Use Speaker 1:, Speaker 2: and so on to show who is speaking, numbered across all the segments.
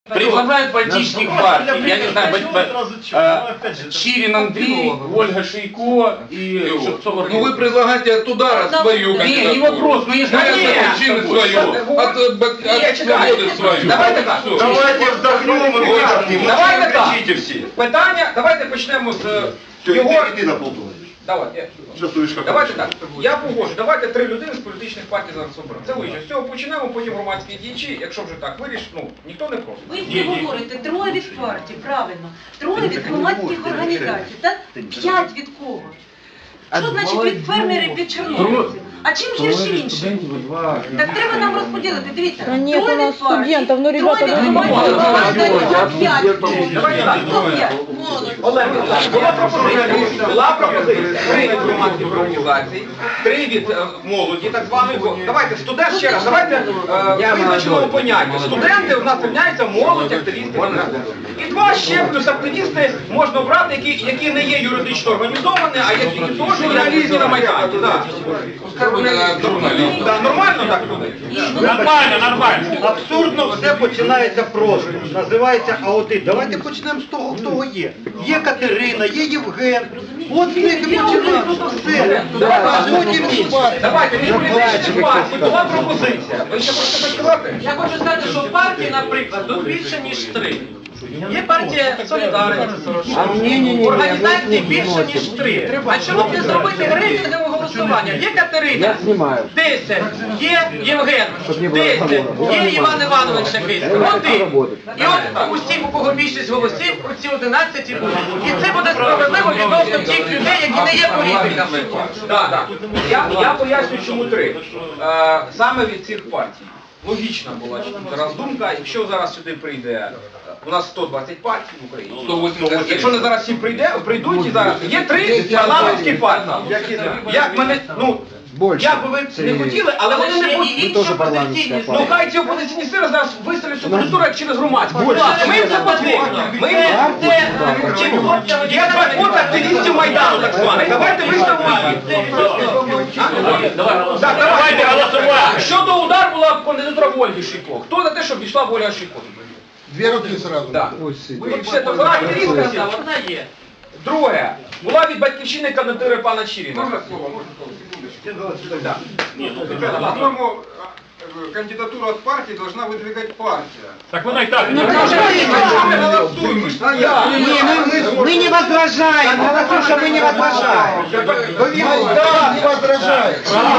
Speaker 1: Предлагают политических партий, я не знаю, Чирин Андрей, Ольга Шейко и Шевцова.
Speaker 2: Ну вы предлагаете от удара свою кандидатуру.
Speaker 1: Не вопрос, ну если
Speaker 2: Батьківщини свою, от свободи свою.
Speaker 1: Давайте так.
Speaker 3: Давайте вдохнем и выдохнем.
Speaker 1: Давайте так.
Speaker 3: Кричите все.
Speaker 1: Питання, давайте почнемо з
Speaker 3: Все,
Speaker 1: його...
Speaker 3: иди на полтора.
Speaker 1: Давайте. Давайте так. Я погоджу. Давайте 3 людини з політичних партій зараз оберемо. Це вище. З цього почнемо, потім громадські діячі. Якщо вже так вирішить, ну, ніхто не просить.
Speaker 4: Ви всі говорите, 3 від партій, правильно. 3 від громадських організацій, так? 5 від кого? Що значить від фермерів, від чорнобильців? А чим гірші інші? Так треба нам розподілити, дивіться.
Speaker 5: Да нет,
Speaker 4: 3
Speaker 5: у нас
Speaker 4: від партій,
Speaker 5: студентов, ну,
Speaker 4: 3
Speaker 5: ребята,
Speaker 4: від
Speaker 5: ну,
Speaker 4: громадських організацій, а 5 від кого?
Speaker 1: Давайте так.
Speaker 4: Хто 5?
Speaker 1: Олег, була пропозиція 3 від громадських організацій, 3 від молоді, так званої. Давайте, студент ще раз, давайте визначимо поняття. Студенти у нас рівняються молодь, активісти. І 2 ще плюс активісти можна обрати, які не є юридично організовані, а які теж реалізні на Майдані. Нормально так люди?
Speaker 6: Нормально.
Speaker 7: Абсурдно все починається просто. Називається аудит. Давайте почнемо з того, хто є. Є Катерина, є Євген. От з них і починаємо. Все. А потім інші.
Speaker 1: Давайте, від політичних партій була пропозиція. Ви ще хочете щось сказати?
Speaker 8: Я хочу сказати, що партії, наприклад, тут більше, ніж 3. Є партія Солідарність, організації більше, ніж 3. А чому б не зробити рейтингове голосування? Є Катерина, 10, є Євген, 10, є Іван Іванович якийсь, 1. І от усі, у кого більшість голосів, оці 11 і будуть. І це буде справедливо відносно тих людей, які не є політиками.
Speaker 1: Так. Я поясню, чому 3. Саме від цих партій. Логічна була зараз думка, якщо зараз сюди прийде, у нас 120 партій в Україні. 180. Якщо не зараз всі прийдуть і зараз, є 3 парламентські партії. Як мене, ну, як би ви не хотіли, але вони не будуть. Ну хай ці опозиційні сили зараз виставлять цю кандидатуру як через громадську. Будь ласка, ми їм це потрібно. Ми їм це... Є 2 фото активістів Майдану, так званих. Давайте виставимо їх. Давайте голосувати. Щодо удар була кандидатура Ольги Шейко. Хто за те, щоб пішла Ольга Шейко?
Speaker 2: 2 руки сразу.
Speaker 1: Так. Все, то пора активістка.
Speaker 8: Одна є.
Speaker 1: Друге. Була від батьківщини кандидатури пана Чирина. Можна слово?
Speaker 9: По-моему, кандидатуру от партии должна выдвигать партия.
Speaker 6: Так вона і так.
Speaker 7: Мы не возражаем. Голосуша, мы не возражаем.
Speaker 2: Да, не возражает.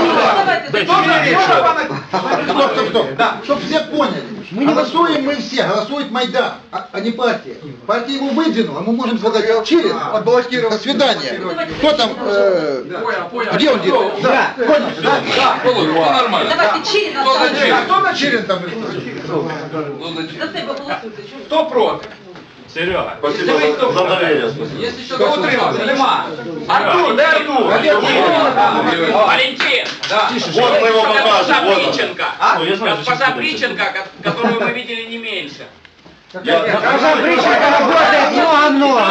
Speaker 1: Стоп.
Speaker 2: Чтобы все поняли. Мы не голосуем, мы все. Голосует Майдан, а не партия. Партия его выдвинула, мы можем сказать, через, отбаллотировать. До свидания. Кто там? Где он делает? Да, понял. Да, нормально.
Speaker 4: Давайте Чирина.
Speaker 1: Хто на
Speaker 2: Чирин там.
Speaker 4: За себе голосуйте.
Speaker 1: Хто проти?
Speaker 6: Серега.
Speaker 3: Спасибо за доверие.
Speaker 1: Хто утримався? Нема. Артур, де Артур?
Speaker 8: Валентин!
Speaker 3: Вот мы его покажем.
Speaker 8: Госпожа
Speaker 3: Вот он.
Speaker 8: Приченко. Госпожа Приченко, которую мы видели не меньше.
Speaker 7: Госпожа Бриченко работает много-много.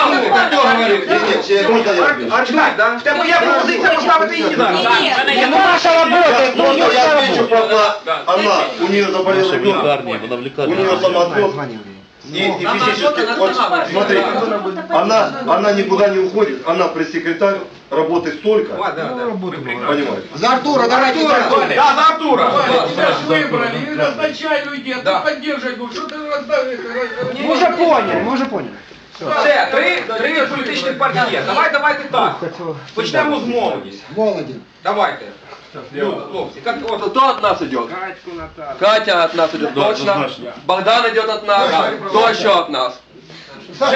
Speaker 1: В тебе є пропозиція поставити її зараз.
Speaker 4: Ні,
Speaker 7: Ну, наша работает. Ну,
Speaker 3: Можно я отвечу, правда, она, у нее заболел ребенок, у нее самоотвод. И физически, вот, смотри, она никуда не уходит, она пресс-секретарь, работает столько, понимаете?
Speaker 2: За Артура, давайте за Артура.
Speaker 1: Да, за Артура.
Speaker 9: Тебя же выбрали, и назначай людей, а ты поддерживай, что ты расставишь?
Speaker 7: Мы уже поняли.
Speaker 1: Все, 3 політичних партій є. Давайте так. Почнемо з молоді.
Speaker 2: Молоді.
Speaker 1: Давайте. Хлопці,
Speaker 10: Кто от нас идет? Катя от нас идет, точно. Богдан идет от нас. Кто еще от нас?
Speaker 2: Саша,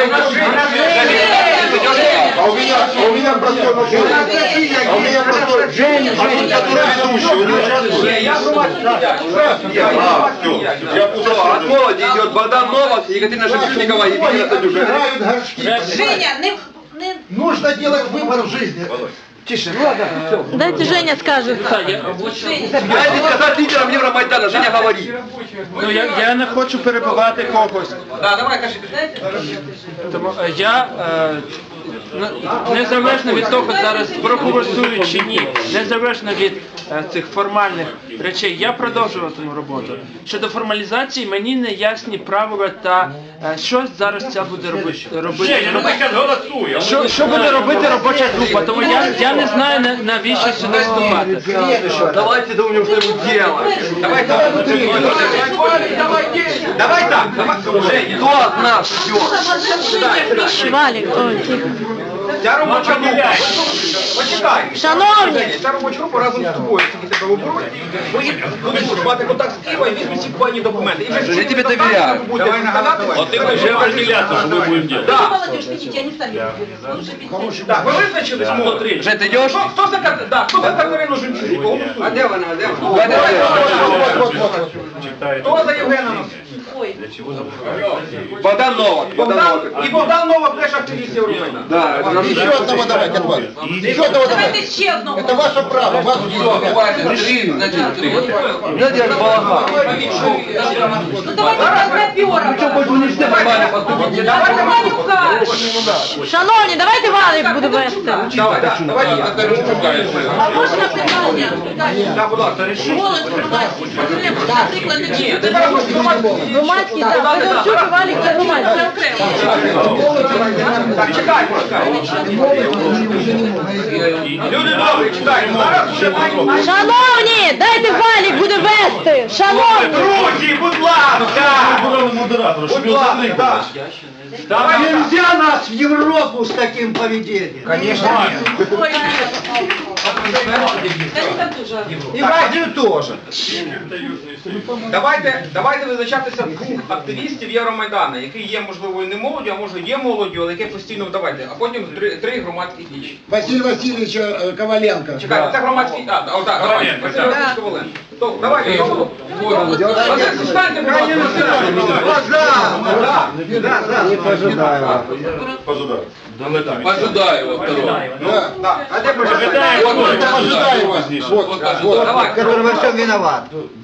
Speaker 3: А у меня простой вопрос. А у меня простой. Женя, который ведущий, вы не участвуете?
Speaker 1: я громадський діяч.
Speaker 3: Я
Speaker 10: От молоди идет Богдан Новак, Екатерина Шепчуникова и Екатерина Садюка.
Speaker 2: играют горшки.
Speaker 4: Женя, не...
Speaker 2: Нужно делать выбор в жизни. Тише, ну ладно, все.
Speaker 5: Дайте Женя скажет.
Speaker 10: Дайте сказати лідерам Євромайдану, Женя говорить.
Speaker 7: Ну я не хочу перебивати когось.
Speaker 1: Да, давай, кажи.
Speaker 7: Тому я незалежно від того зараз проголосую чи ні, незалежно від цих формальних речей, я продовжуватиму роботу. Щодо формалізації мені не ясні правила та що зараз ця буде робити.
Speaker 6: Женя, ну ми зараз голосуємо.
Speaker 7: Що буде робити робоча група? Тому я не знаю навіщо сюди вступати.
Speaker 10: Давайте думаем, что ему делать.
Speaker 1: Давай так. Давай так. Женя.
Speaker 10: Кто от нас все?
Speaker 5: Валик, ой, тихо.
Speaker 1: Ця робоча група. Почекай.
Speaker 5: Шановні!
Speaker 1: Ця робоча група разом з тобою, які тебе оберуть, будуть мати контакт з Києва і візьмуть всі плані документи. І вже
Speaker 10: Я тебе доверяю.
Speaker 1: Давай нагадати.
Speaker 6: От ти вже определяться, що ми будемо делать.
Speaker 1: Да.
Speaker 4: Молодежь, видите, они сами лучше
Speaker 1: Так, ви визначились? Смотри.
Speaker 10: Жень, ты идешь?
Speaker 1: Хто за Катерину Жемчужнику? А де вона? Хто за Євгена?
Speaker 4: Ой,
Speaker 10: Богдан Новак.
Speaker 1: І Богдан Новак теж активіст Євромайдану.
Speaker 10: Да, это нам
Speaker 2: Еще одного давайте от вас. Еще одного
Speaker 4: давайте
Speaker 2: давайте.
Speaker 4: ще одного.
Speaker 2: Это ваше право, вас
Speaker 10: Все, хватит. Три, значит, три. Знаете, я балаган.
Speaker 4: Ну давайте разнопёром. Давайте Ванюка.
Speaker 5: Шановні, давайте Валик буде вести.
Speaker 1: Давай.
Speaker 4: А можна питання?
Speaker 1: Да, будь ласка.
Speaker 4: Голос громадський. Наприклад,
Speaker 1: Ні, ти зараз можеш
Speaker 5: Громадський, так. Федорчук і Валик це громадський.
Speaker 1: Так, чекай. Люди добрі, чекайте. Зараз буде пані.
Speaker 5: Шановні, дайте Валик буде вести. Шановні.
Speaker 1: Друзі, будь ласка. Будь ласка. Давай.
Speaker 7: Нельзя нас в Европу с таким поведением.
Speaker 1: Конечно, нет.
Speaker 4: Ой, это тоже.
Speaker 7: И в Азию тоже.
Speaker 1: Давайте визначатися двох активістів Євромайдану, які є, можливо, і не молоддю, а може є молоддю, але яке постійно давайте, а потім три громадські дії.
Speaker 2: Василий Васильевич Коваленко.
Speaker 1: Чекайте, це громадські, давайте,
Speaker 6: Коваленко,
Speaker 1: Василь Васильович Коваленко. То, давайте, Василь, станьте,
Speaker 10: Пожидаю его второго.
Speaker 1: Да, а де
Speaker 6: Ожидаю,
Speaker 1: Вот, давай.
Speaker 7: Который во всем виноват.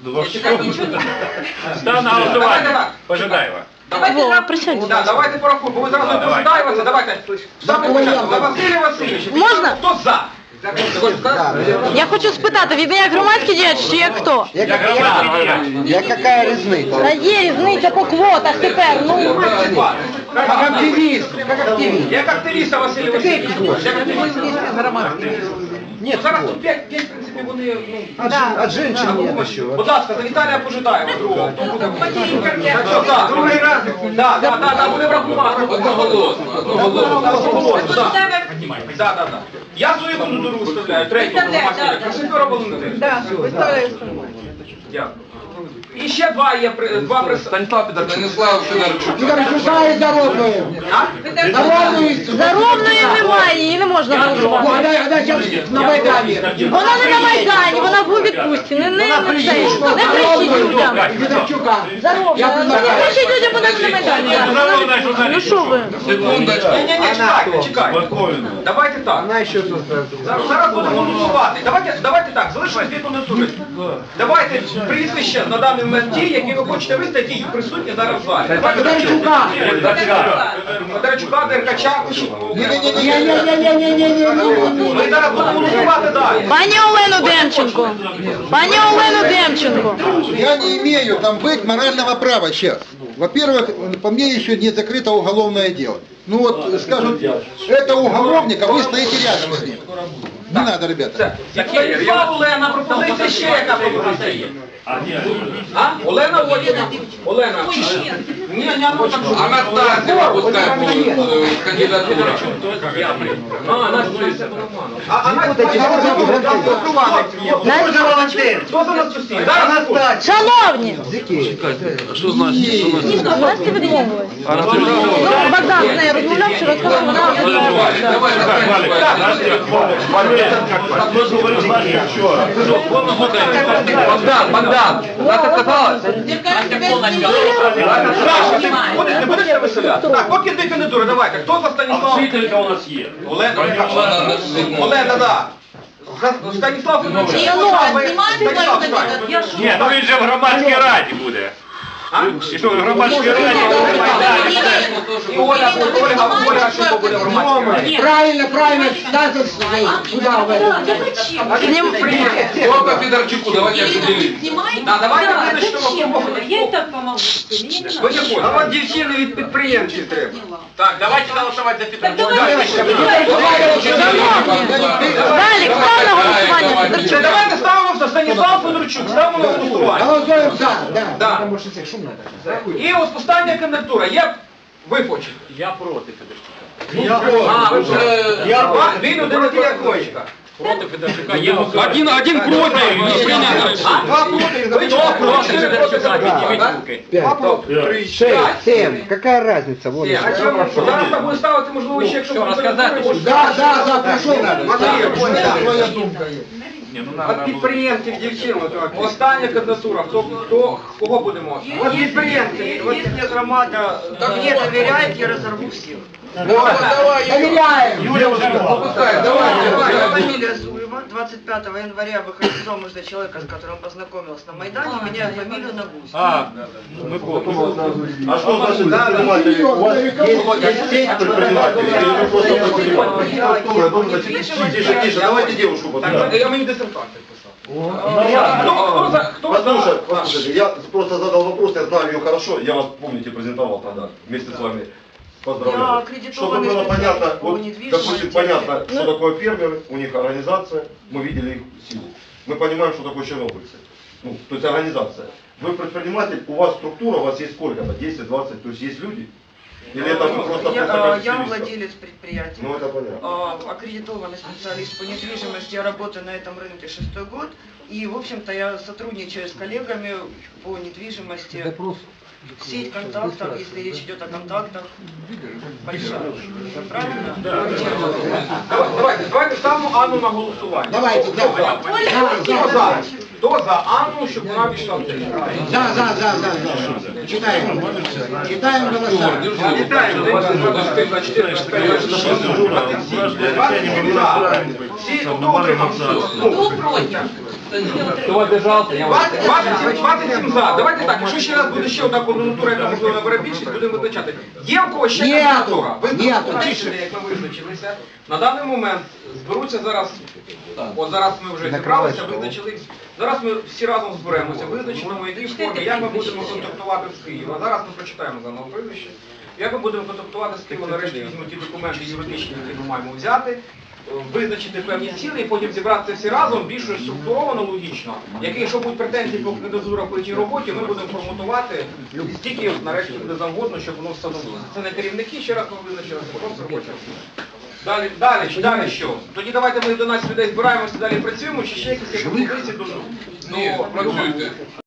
Speaker 6: Став на голосування. Пожидаємо.
Speaker 5: Вова, присядь.
Speaker 1: Да, давайте порахуємо, бо ви зразу не пожидаєте, давайте. Саме початку, за Василя Васильовича.
Speaker 5: Можна?
Speaker 1: Хто за?
Speaker 5: Я хочу спитати, він як громадський діяч чи як хто?
Speaker 7: Яка різниця?
Speaker 5: Та є різниця по квотах тепер, ну.
Speaker 1: Як активіст. Як активіста Василь Васильович. Як активіст. Ні, зараз тут 5, в принципі, вони,
Speaker 7: От женщин нет еще.
Speaker 1: Будь ласка, за Віталія Пожидаєва, другого. Так, другий раз. Да, буде врахувати. Одноголосно. Да. Я свою кандидатуру виставляю, третю громадську. Красифера Валентин. Дякую. І ще два представники.
Speaker 10: Станислав Федорчук. Станислав Федорчук.
Speaker 2: Федорчука и Дородную.
Speaker 5: Заробної немає, її не можна голосувати.
Speaker 2: Она сейчас на Майдане.
Speaker 5: Вона не на Майдані, вона в відпустці. Не кричіть людям.
Speaker 2: Федорчука.
Speaker 5: Заробна. Не кричіть людям, вона не на Майдані. Ну що ви?
Speaker 10: Секундочку.
Speaker 1: Ні, чекайте. Давайте так. Зараз будемо голосувати. Давайте так, залишилось дві кандидатури. Давайте прізвища на даний момент ті, які ви хочете виставити, і присутні зараз в залі.
Speaker 2: Федорчука.
Speaker 1: Федорчука, Деркача,
Speaker 2: Не-не-не-не-не-не-не-не-не.
Speaker 1: ми зараз будемо голосувати далі.
Speaker 5: Пані Олену Демченко. Пані Олену Демченко.
Speaker 2: Я не имею там быть морального права сейчас. Во-первых, по мне еще не закрыто уголовное дело. Ну вот, скажут, это уголовник, а вы стоите рядом с ним. Не надо, ребята.
Speaker 1: Станіслав Олена, пропозиція ще яка пропозиція є? А? Олена Олена. Олена. Ні, ну так.
Speaker 10: Анастасия, пускай будет кандидатура.
Speaker 1: А Настя,
Speaker 7: Може Валентин?
Speaker 1: хто за нас сусід? Зараз
Speaker 5: Шановні.
Speaker 10: Что значит?
Speaker 5: Настя відмовилась. Ну, Богдан з нею розмовляв, що розказав, вона
Speaker 10: Давай, Богдан, Настя сказала?
Speaker 1: Ходить, не будете виселяти? Так, поки дві кандидатури, давайте. Хто за Станіслав?
Speaker 6: Вчителька у нас є.
Speaker 1: Олена, да. Станіслав Федорович.
Speaker 6: Ні, ну він же в громадській раді буде. І що, в громадській раді буде Майдан?
Speaker 1: І Ольга Шумко буде в громадській раді.
Speaker 2: Правильно, надо сюда.
Speaker 10: Только Федорчуку, давайте определим.
Speaker 1: Да, давайте визначимо,
Speaker 4: Я і так помогу.
Speaker 1: Ви не хочете.
Speaker 9: А от дівчини від підприємців треба.
Speaker 6: Так, давайте голосувати за Федорчука.
Speaker 5: Далі, хто на голосування?
Speaker 1: Це давайте ставимо за Станіслав Федорчук, ставимо на голосування.
Speaker 2: Голосуем за, да.
Speaker 1: Да. І от остання кандидатура. Ви хочете.
Speaker 6: Я проти Федорчука.
Speaker 1: А, ви вже... Він один Федорчука.
Speaker 6: Проти Федорчука. Я
Speaker 10: Один проти.
Speaker 1: Два проти. Ви чого проти Федорчука?
Speaker 6: Федорчука.
Speaker 2: 6, 7, какая разница? Вот.
Speaker 1: Зараз так буде ставити, можливо, ще, якщо буде кандидатура.
Speaker 2: Да, прошу.
Speaker 9: Своя
Speaker 2: думка есть.
Speaker 9: От підприємців дівчин.
Speaker 1: Остання кандидатура. Кого будемо?
Speaker 9: От підприємці. От
Speaker 8: Если громада мне доверяет, я разорву всех.
Speaker 2: Доверяем.
Speaker 8: Я фамилия Зуева. 25 января выхожу замуж за человека, с которым познакомился на Майдане, меняю фамилию на Гусь.
Speaker 3: А что значит предприниматели? У вас есть сеть предпринимателей? Или вы просто предприниматели? Тише, давайте девушку потом.
Speaker 1: Я мені диссертацію писав.
Speaker 3: Послушайте, я просто задал вопрос, я знаю ее хорошо, я вас, помните, презентовал тогда, вместе с вами.
Speaker 8: Я
Speaker 3: Поздравляю. Чтобы
Speaker 8: аккредитованный
Speaker 3: было понятно,
Speaker 8: специалист по
Speaker 3: вот,
Speaker 8: недвижимости.
Speaker 3: допустим, понятно, что такое фермеры, у них организация, мы видели их силу. Мы понимаем, что такое чернобыльцы. Ну, то есть организация. Вы предприниматель, у вас структура, у вас есть сколько-то, 10-20, то есть есть люди? Или это вы просто как
Speaker 8: Я
Speaker 3: активистов?
Speaker 8: владелец предприятия.
Speaker 3: Ну, это понятно.
Speaker 8: Аккредитованный специалист по недвижимости, я работаю на этом рынке 6-й год, и, в общем-то, я сотрудничаю с коллегами по недвижимости. Сеть контактов, если речь идет о контактах, большая. Правильно?
Speaker 1: Давайте ставимо Анну на голосування.
Speaker 2: Давайте, да.
Speaker 1: Хто за? Хто за Анну, щоб вона війшла в цей?
Speaker 2: За. Читаем. Читаем голоса.
Speaker 1: Всі, хто утримався?
Speaker 4: Хто проти?
Speaker 10: Хто одержався, я вас...
Speaker 1: 27 за. Давайте так, якщо ще раз буде ще одна кандидатура, яка можливо набере більшість, будемо визначати. Є у когось ще кандидатура? Ви вирішили, як ми визначилися. На даний момент зберуться зараз, от зараз ми вже зібралися, визначили. Зараз ми всі разом зберемося, визначимо, які форми, як ми будемо контактувати з Києва. Зараз ми прочитаємо заново прізвище. Як ми будемо контактувати з Києва, нарешті візьмемо ті документи юридичні, які ми маємо взяти, визначити певні цілі і потім зібратися всі разом більш структуровано, логічно. Якщо будуть претензії по кандидатурах по тій роботі, ми будемо форматувати стільки, нарешті буде завгодно, щоб воно встановилося. Це не керівники, ще раз ми визначилися, просто робоча. Далі що? Тоді давайте ми 11 людей збираємося, далі працюємо, чи ще якісь пропозиції до...
Speaker 10: Ні, працюйте.